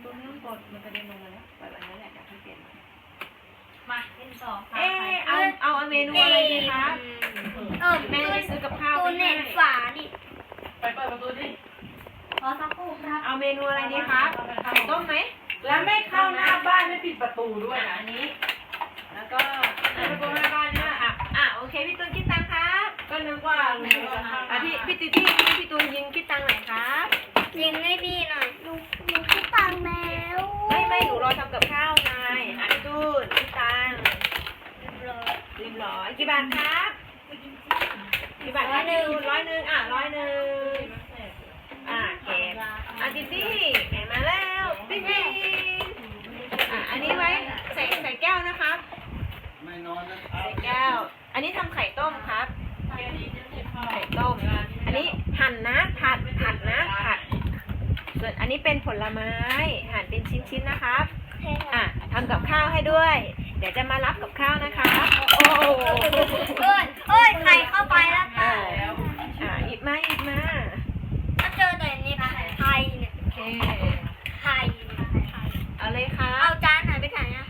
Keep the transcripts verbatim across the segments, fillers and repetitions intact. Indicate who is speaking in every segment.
Speaker 1: ตัวไม่ต้องกดมันกระเด็นลงมาแล้วปล่อยไว้นั่นแหละเดี๋ยวค่อยเปลี่ยน
Speaker 2: มาเป็นสองค่ะ
Speaker 1: เอ๊ะเอาเอาเมนูอะไรดีคะ
Speaker 3: เออ
Speaker 1: แม่ไปซื้อกับข้าว
Speaker 3: ตัวเน็ตฝาดิ
Speaker 2: ไปเปิดประตูดิขอสักครู่ครับ
Speaker 1: เอาเมนูอะไรดีคะไข่ต้มไหม
Speaker 2: แล้วไม่เข้าหน้าบ้านไม่ปิดประตูด้วยนะ
Speaker 1: อันนี้แล้วก็ประตูหน้าบ้านเนี่ยอ่ะอ่ะโอเคพี่ตูนคิดตังค์ครับ
Speaker 2: ก็นึกว่า
Speaker 1: อ่ะพี่พี่ตูนที่พี่ตูนยิงคิดตังค์หน่อยครับ
Speaker 3: ยิงให้พี่หน่อยลูกลูกพี่ตังแล้ว
Speaker 1: ไม่ไม่หนูรอทำกับข้าวไงอ่ะพี่ตูนคิดตังค์
Speaker 3: เรียบร้อย
Speaker 1: เรียบร้อยกี่บาทครับกี่บาทร้อยหนึ่งร้อยหนึ่งอ่ะร้อยหนึ่งอ่ะเก็บอ่ะดิดี้แหมมาแล้วปิ๊งปิ๊งอ่ะอันนี้ไว้ใส่ใส่แก้วนะครับ
Speaker 4: ไม่นอนนะ
Speaker 1: ใส่แก้วอันนี้ทำไข่ต้มครับไข่ต้มอันนี้หั่นนะผัดผัดนะผัดส่วนอันนี้เป็นผลไม้หั่นเป็นชิ้นๆนะครับอ่ะทำกับข้าวให้ด้วย เดี๋ยวจะมารับกับข้าวนะคะโอ้โห
Speaker 3: เอ้ยเอ้ยไข่เข้าไปแล้ว
Speaker 1: อ่า
Speaker 3: ค่ะ
Speaker 1: อ่าหยิบมาหยิบมา
Speaker 3: ถ้าเจอแต่นี่ไข่เนี่ย
Speaker 1: โอเค
Speaker 3: ไข่ไข่
Speaker 1: เอาเลยค่ะ
Speaker 3: เอาจานไหนไปไหนอ่ะ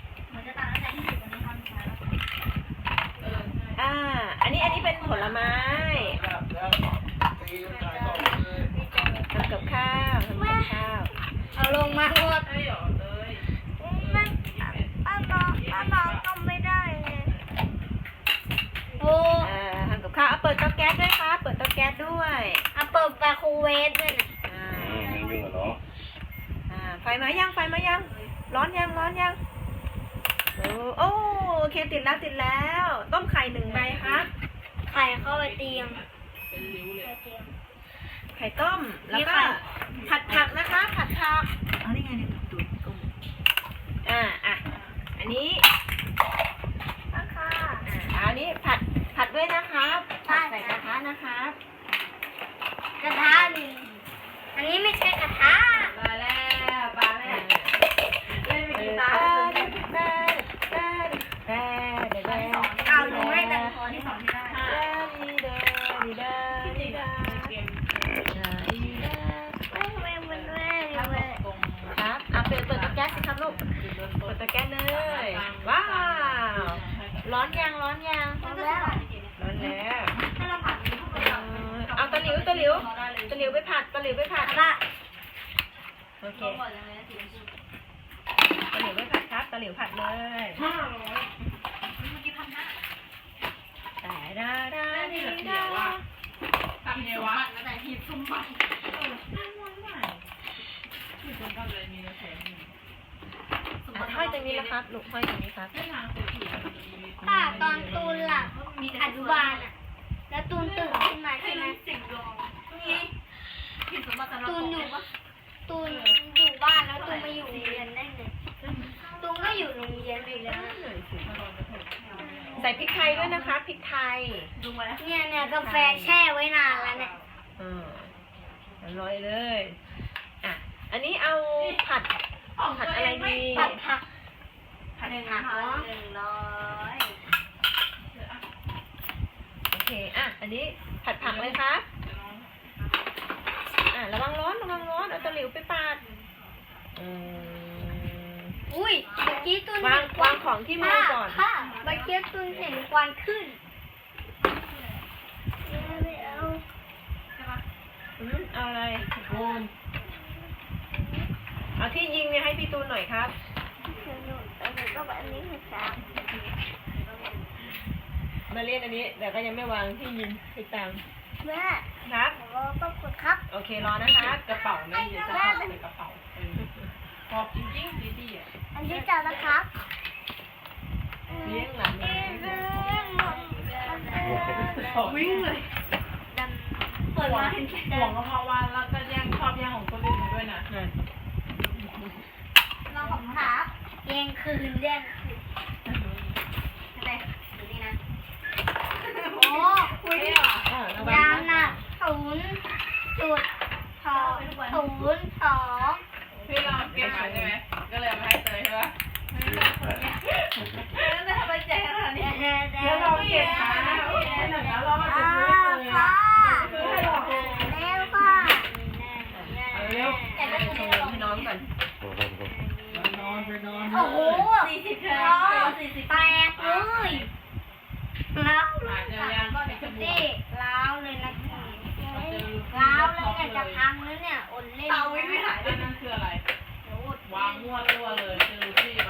Speaker 1: อ่าอันนี้อันนี้เป็นผลไม้
Speaker 4: แล้วตีกันตายต่อเลย
Speaker 1: ทำกับข้าวทำกับข้าว
Speaker 3: เอาลงมาหมด
Speaker 2: ไม่หยอดเลย
Speaker 3: มันป้าน้องป้าน้องต้มไม่ได้ไงโอ้
Speaker 1: อ่าทำกับข้าวเอาเปิดเตาแก๊สด้วยค่ะเปิดเตาแก๊สด้วย
Speaker 3: เอาเปิดไมโครเวฟด้วยนะ
Speaker 1: อ่า
Speaker 4: อืมมันวิ่งเหรอ
Speaker 1: อ่าไฟมายังไฟมายังร้อนยังร้อนยังโอ้โอ้โอเคติดแล้วติดแล้วต้มไข่หนึ่งใบครับ
Speaker 3: ไข่เข้าไปเตียง
Speaker 2: เป็นริ้วเลย
Speaker 1: ไข่ต้มแล้วก็ผัดผักนะคะผัดผักเอานี่ไงเนี่ยตูดกุ้งอ่าอ่ะอันนี้
Speaker 3: ค่ะ
Speaker 1: อ่าอันนี้ผัดผัดด้วยนะครับผัดใส่กระทะนะครับ
Speaker 3: กระทะหนึ่งอันนี้ไม่ใช่กระทะ
Speaker 2: มาแล้วปลาแม่เล่นไปกี่ตา
Speaker 3: เอาหนูให้ตังค์พอที่สองที่ได้ ไม่ไม่มันไม่ไม่
Speaker 1: ครับอ่ะเปิดเปิดตะแก๊สสิครับลูกเปิดตะแก๊สเลยว้าวร้อนยังร้อนยัง
Speaker 3: พอแล้ว
Speaker 1: ร้อนแล้วเอาตะหลิวตะหลิวตะหลิวไปผัดตะหลิวไปผัด
Speaker 3: ละ
Speaker 1: โอเคตะหลิวไปผัดครับตะหลิวผัดเลยแต่ดาดาดีดา
Speaker 2: ทำเนี้ยวะแต่หีบสมบัติหีบสมบัติเลยมีแสน
Speaker 1: ห้อยตรงนี้นะครับลูกห้อยตรงนี้ครับ
Speaker 3: ป้าตอนตูนหลับอนุบาลอ่ะแล้วตูนตื่นขึ้นมาใช่ไหมตูนอยู่ปะตูนอยู่บ้านแล้วตูนมาอยู่โรงเรียนได้ไงตูนก็อยู่โรงเรียนอยู่แล้ว
Speaker 1: ใส่พริกไทยด้วยนะคะพริกไทย
Speaker 3: เนี่ยเนี่ยกาแฟแช่ไว้นานแล้วเนี่ย
Speaker 1: อืมอร่อยเลยอ่ะอันนี้เอาผัดผัดอะไรดี
Speaker 3: ผัดผัก
Speaker 1: ผัด
Speaker 3: หนึ่ง
Speaker 1: ผัก
Speaker 3: ร้อ
Speaker 1: เนาะ
Speaker 3: ยหนึ่งร้อย
Speaker 1: โอเคอ่ะอันนี้ผัดผักเลยครับอ่ะระวังร้อนระวังร้อนเอาตะหลิวไปปาดอืม
Speaker 3: อุ้ยเมื่อกี้ตูน
Speaker 1: วางวางของที่มือก่อน
Speaker 3: ค่ะเมื่อกี้ตูนเห็นควันขึ้นไม่เอา
Speaker 1: อืมเอาอะไรโบนเอาที่ยิงเนี่ยให้พี่ตูนหน่อยครับ
Speaker 3: หนูแต่หนูก็แบบอันนี้คือสาม
Speaker 1: มาเล่นอันนี้แต่ก็ยังไม่วางที่ยิงไปตาม
Speaker 3: แม่
Speaker 1: ครับ
Speaker 3: ขอต้องกดครับ
Speaker 1: โอเครอนะครับ
Speaker 2: กระเป๋าไม่เยอะจะเข้าใส่กระเป๋าขอบจริงๆดีๆอ่ะ
Speaker 3: อันที่เจ้านะครับ
Speaker 1: เลี้ยงหลาน
Speaker 3: เอ๊ะเรื่องหมด
Speaker 2: วิ่งเลยเปิดมาเห็นห่วงก็เพราะว่าแล้วก็แย่งชอบแย่งของคนอื่นด้วยนะ
Speaker 3: เราของครับเย็นคืนเล่นอะไรดูนี่นะโอ้คุยยางน่ะศูนย์จุดสองศูนย์สอง
Speaker 2: พี่เราเก็บมาใช่ไหมก็เลยมาให้เตยใช่ไหมแล้วทำไมแจกขนาดนี้แล้วเราเก็บมาแล้วเรามาจะซื้อเลยอ่ะซื้อให้หรอ
Speaker 3: เร็วค่ะ
Speaker 1: เอาเร็วให้น้องก่อน
Speaker 3: สี่สิบเท่าสี่สิบแตกเลยล้าวเลยนี่ล้าวเลยนะล้าวเลยเนี่ยจะพังแล้วเนี่ยอ่อนเล่น
Speaker 2: เตาวิ่งไม่หายเลยนั่นคืออะไรวางมั่วตัวเลยเจอพี่ไป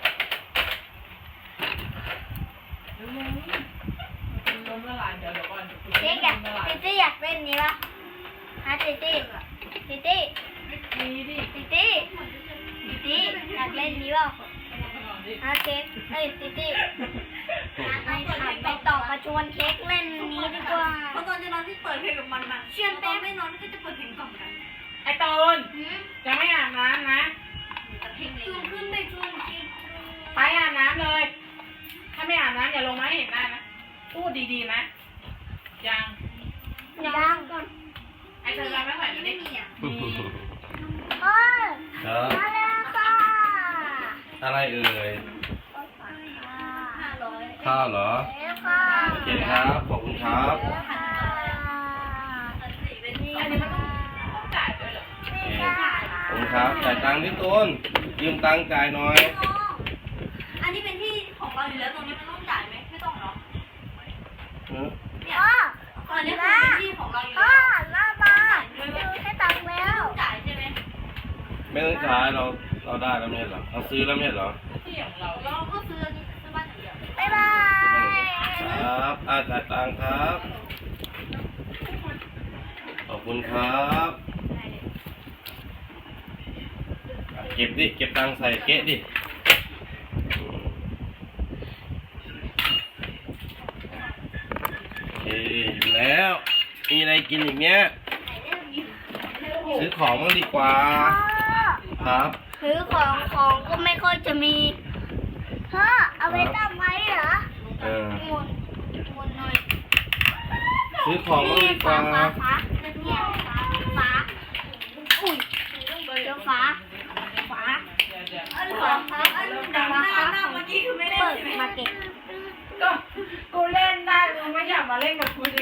Speaker 2: ล้มละลายเดี๋ยวเดี๋ยวก่อน
Speaker 3: เจ๊อยากติตี้อยากเล่นนี้ปะฮะติตี้ติตี้
Speaker 2: มีดิ
Speaker 3: ติตี้ติตี้อยากเล่นนี้ปะฮะเค้กเอ้ยติตี้ไปไปต่อมาชวนเค้กเล่นนี้ดีกว่า
Speaker 5: เพราะตอนจะนอนที่เปิดเพลงกับมันน่ะ
Speaker 3: เชื่อ
Speaker 5: ต
Speaker 3: แป๊
Speaker 5: อน
Speaker 3: บ
Speaker 5: ไม่นอนก็จะเปิดเพลงกล่อมกัน
Speaker 2: ไอ้ตูนจะไม่อาบน้ำนะ
Speaker 5: เพลง
Speaker 3: ชวนขึ้นไปชวนเค้ก
Speaker 2: ไปอาบน้ำเลย ถ้าไม่อาบน้ำอย่าลงมาให้เห็นหน้านะพูดดีๆนะยัง
Speaker 3: ยังก่อน
Speaker 2: ไอ้เธอจะไม่ไหวไม่ได้
Speaker 5: ไม่มีอ่ะ
Speaker 2: มี
Speaker 3: เอ้ย
Speaker 4: ครับ
Speaker 3: มาแล้วค่ะ
Speaker 4: อะไรเอ่ย
Speaker 5: ห้าร้อย
Speaker 4: ข้าวเหรอ
Speaker 3: แล้วค่ะ
Speaker 4: โอเคครับ ขอบคุณครับ
Speaker 3: แล้วค่ะ
Speaker 2: อันนี้มันต้องต้องจ่ายด้วยเหรอ
Speaker 3: นี่ค่ะ
Speaker 4: ขอบคุณครับ จ่ายตังค์ที่ต้น ยืมตังค์จ่ายหน่อย
Speaker 5: อันนี้เป็นที่ของเราอยู่แล้วตรงนี้มันต้องจ่ายไหมไม่ต้องเนาะ
Speaker 4: หือ
Speaker 5: เนี่ย
Speaker 3: พ่อ
Speaker 5: ตอนนี้คือเป็นที่ของเราอยู่
Speaker 3: พ่อ
Speaker 5: แล้ว
Speaker 3: มามาดูให้ตังค์แล้ว
Speaker 5: จ่ายใช่ไหม
Speaker 4: ไม่ต้องจ่ายเรา เราได้แล้วไม่ใช่เหรอเราซื้อแล้วไม่ใช่เหรอ
Speaker 2: ที่ของเรา
Speaker 5: เราก็ซื้อซื้อบ้านอย่างเดียว
Speaker 3: บ๊ายบาย
Speaker 4: ครับอาจ่ายตังค์ครับ ขอบคุณครับอ่ะเก็บดิ เก็บตังค์ใส่เก๊ะดิ โอเคอยู่แล้ว มีอะไรกินอีกเนี้ย ซื้อของบ้างดีกว่า ครับ
Speaker 3: ซื้อของของก็ไม่ค่อยจะมีพ่อเอาไปตั้งไว้เหรอ
Speaker 4: เออ
Speaker 3: หมุนหมุนหน่อย
Speaker 4: ซื้อของบ้าง
Speaker 3: นี่
Speaker 4: ดีก
Speaker 3: ฟ้า
Speaker 4: ว่า
Speaker 3: ฟ้าฟ้าเนี่ยฟ้าฟ้าอุ้ยเจอฟ้าฟ้า
Speaker 2: เดี๋ยวเดี๋ยว
Speaker 5: อันสองอันดังหน้าหน้าเมื่อกี้คือไม่ได้
Speaker 3: เปิด
Speaker 5: ใช่ไหม
Speaker 3: มาเก็บ
Speaker 2: ก็กูเล่นได้มึงไม่อยากมาเล่นกับกูดิ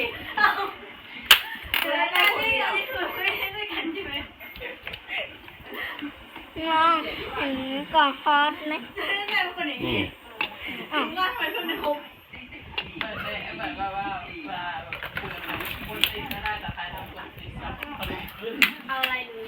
Speaker 5: แล้วอันนี้อันนี้คือไม่ได้ด้วยกันใช่ไหม
Speaker 3: มองเห็นกล่องฮอตไหม
Speaker 5: แม่เป็นคนอย่าง
Speaker 4: นี่
Speaker 5: นี้
Speaker 3: อ้าว
Speaker 5: ง่ายไปเพื่อนในคุก
Speaker 2: เปิดเลยแบบว่าว่าว่าคุยกับคนติดก็ได้แต่ใครทำคนติดก็เอาไปขึ้น
Speaker 5: เอาอะไรดู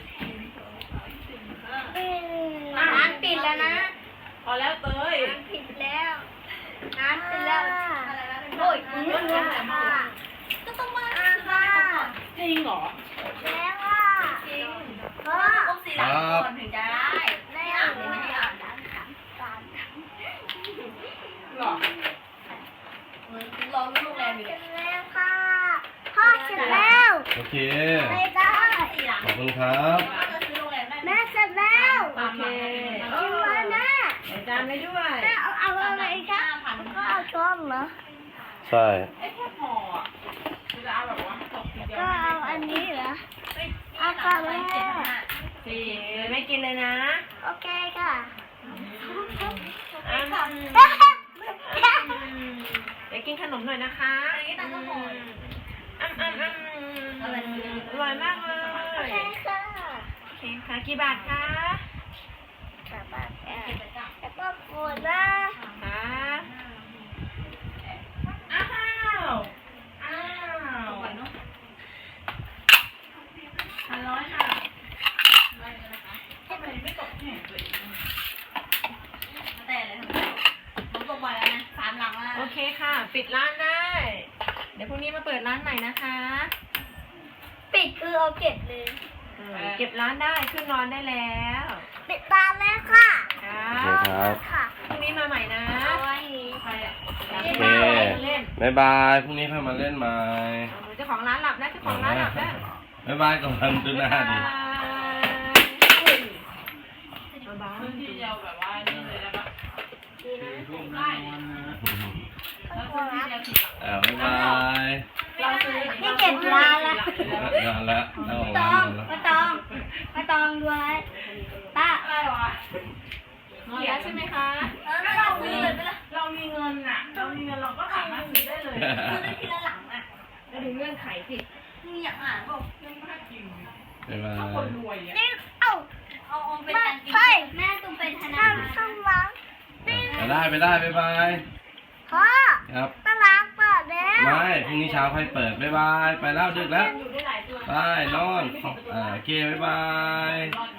Speaker 3: อืมร้านปิดแล้วนะ
Speaker 2: พอแล้วเตย
Speaker 3: ร้านปิดแล้วร้านปิดแล้วโอ้ยคุณเรื่องค่ะ
Speaker 5: ก็ต้องมา
Speaker 3: อ่าค่ะ
Speaker 2: จริงเหรอ
Speaker 3: แล้วค่ะ
Speaker 5: จริง
Speaker 3: พ่อ
Speaker 5: ต้องสีหลังก่อนถึงจะได้
Speaker 3: ได้อ่านไม่ได้อ่านร้านสามสาม
Speaker 2: หรอ
Speaker 5: เหมือนรอลูกแรมอยู่
Speaker 3: เส
Speaker 5: เล
Speaker 3: ร็
Speaker 5: ย
Speaker 3: จแล้วค่ะพ่อเสร็จแล้ว
Speaker 4: โอเค
Speaker 3: ไม่ได้
Speaker 5: สีหลัง
Speaker 4: ขอบคุณครับ
Speaker 5: ก็จะซื้อโรงแรมได้
Speaker 3: แม่เสร็จแล้ว
Speaker 1: โอเค
Speaker 3: กินมาแม่
Speaker 1: ใส่จานไว้ด้วย
Speaker 3: แม่เอาเอาอะไรคะก็เอาช้อนเหรอ
Speaker 4: ใช่
Speaker 2: ไอ้แค่พออ่ะกูจะเอาแบบว่าตกทีเดียว
Speaker 3: ก็เอาอันนี้เหรอเอากลับแม่
Speaker 1: สี่ไม่กินเลยนะ
Speaker 3: โอเคค่ะ
Speaker 1: อ่ะเดี๋ยวกินขนมหน่อยนะคะ
Speaker 5: อันนี้ตังก็พอ
Speaker 1: อ้ำอ้ำอ้ำอร่อยมากเล
Speaker 3: โอย เคค่ะ
Speaker 1: โอเคค่ะกี่บาทคะ
Speaker 3: กลับบ้านแล้วก็ปวดนะ
Speaker 1: ค่ะ
Speaker 2: อ้าวอ้าว
Speaker 5: ก่อนเนาะพันร้อยค่ะ
Speaker 2: ทำไมไม่ตกแข่งตัวเอง
Speaker 5: แต่เลยผมตกบ่อยแล้วนะสามหลังแล้ว
Speaker 1: โอเคค่ะ ปิดร้านได้ เดี๋ยวพรุ่งนี้มาเปิดร้านใหม่นะคะ
Speaker 3: ปิดคือเอาเก็บเลย
Speaker 1: เออเก็บร้านได้ขึ้นนอนได้แล้ว
Speaker 3: ปิดตาแล้วค่ะ
Speaker 1: ค่ะ
Speaker 4: โอเคครับ
Speaker 3: ค่ะ
Speaker 1: พรุ่งนี้มาใหม่นะ
Speaker 3: เอาไว้
Speaker 2: ใครอ่ะ
Speaker 4: โอเคบ๊ายบาย พรุ่งนี้ค่อยมาเล่นใหม่
Speaker 1: เจ้าของร้านหลับนะเจ้าของร้านหลับนะ
Speaker 4: บ๊ายบายก่อนดูหน้าดิ
Speaker 1: เบา
Speaker 2: พื้นที่เดียวแบบว่านี่เลยได้ปะ
Speaker 1: ดีนะ
Speaker 2: ได้แล้วพื้นที่เดียวสิ
Speaker 4: อ่าบ๊ายบาย
Speaker 2: เราซื้อ
Speaker 3: นี่เก็บร้านละ
Speaker 4: นานแล้วเอาของ
Speaker 3: ต
Speaker 4: ร้า
Speaker 3: อน ง
Speaker 4: หมดแล้ว
Speaker 3: มาตองมาตองดูไว้ตา
Speaker 2: อะไรวะ
Speaker 1: นอนแล้วใช่ไหมคะ
Speaker 5: เออเราซื้อเลยไปละ
Speaker 2: เรามีเงินอ่ะ เรามีเงินเราก็สามารถซื้อได้เลย
Speaker 5: ซื้อได้ทีละหลังอ่ะ
Speaker 1: แล้วดูเงื่อนไขสิ
Speaker 5: มึงอยากอ่านเปล่า
Speaker 2: ยังไม่จริง
Speaker 4: บ๊ายบา
Speaker 2: ถ้าคน
Speaker 4: ย
Speaker 2: รวยอ่ะ
Speaker 3: นี่เอ้า
Speaker 5: เอาเอาเป็น
Speaker 3: มา
Speaker 5: การกิน
Speaker 3: เฮ้ย
Speaker 5: แม่ต้องเป็นธนา
Speaker 3: ข้า
Speaker 5: คาง ร
Speaker 3: ข้างหลังนี่
Speaker 4: ได้ไปได้บ๊ายบาย
Speaker 3: พ่อ
Speaker 4: ครับ
Speaker 3: ตลาดเปิดแล้ว
Speaker 4: ไม่พรุ่งนี้เช้าค่อยเปิดบ๊ายบายไปแล้วดึกแล้ว
Speaker 2: อยู่ได้หลายตัว
Speaker 4: ไปนอนอ่าโอเคบ๊ายบาย
Speaker 2: รอด